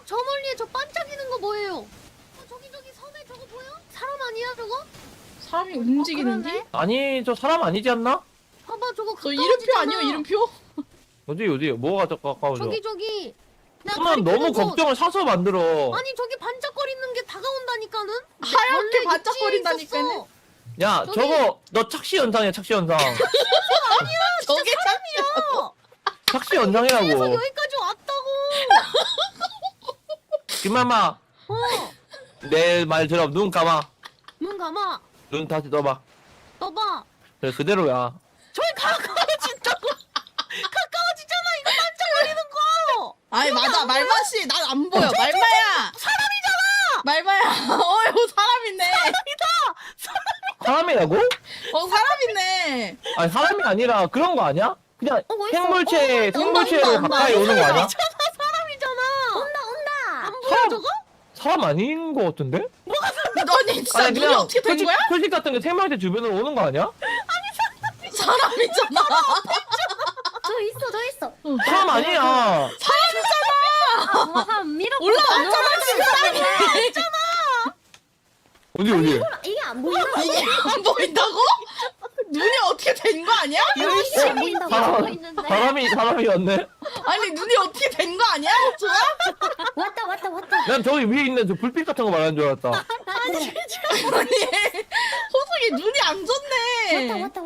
저 멀리에 저 반짝이는 거 뭐예요? 저기 섬에 저거 보여? 사람 아니야 저거? 사람이 움직이는데? 그러네. 아니 저 사람 아니지 않나? 봐봐 저거 저 가까워지잖아. 이름표 아니에요 이름표? 어디 뭐가 더 가까워져? 저기 내가 그만 너무 가리켜놓은 거. 걱정을 사서 만들어. 아니 저기 반짝거리는 게 다가온다니까는? 하얗게 원래 반짝거린다니까는? 있었어. 야 저기- 저거 너 착시 현상이야 착시 현상. 저게 야 착시 그래서 현상이라고. 여기까지 왔다고. 김마마 어. 내 말 들어. 눈 감아. 눈 감아. 눈 다시 떠봐. 떠봐. 그래 그대로야. 저기 가까워진다고. 가까워지잖아 이거 반짝거리는 거. 아니 맞아 말마씨 난 안 보여 말마야 사람이잖아. 말마야 어휴 사람이네 사람이라고? 사람이네 아니 사람이 아니라 그런 거 아니야? 그냥 어딨어? 생물체로 온다. 가까이 오는 거 아니야? 사람이잖아. 온다. 안 보여 사람- 저거? 사람 아닌 거 같은데? 너니 진짜 눈이 어떻게 된 거야? 표식 같은 게 생물체 주변으로 오는 거 아니야? 사람이잖아 저 있어. 사람 아니야. 올라왔잖아 진짜 어디 이게 안 보인다. 이게 안 보인다고? 눈이 어떻게 된 거 아니야? 이게 안 보인다고 하고 있는데. 사람이었네. 아니 눈이 어떻게 된 거 아니야? 호주가? 왔다. 난 저기 위에 있는 저 불빛 같은 거 말하는 줄 알았다. 아니 호석이 눈이 안 좋네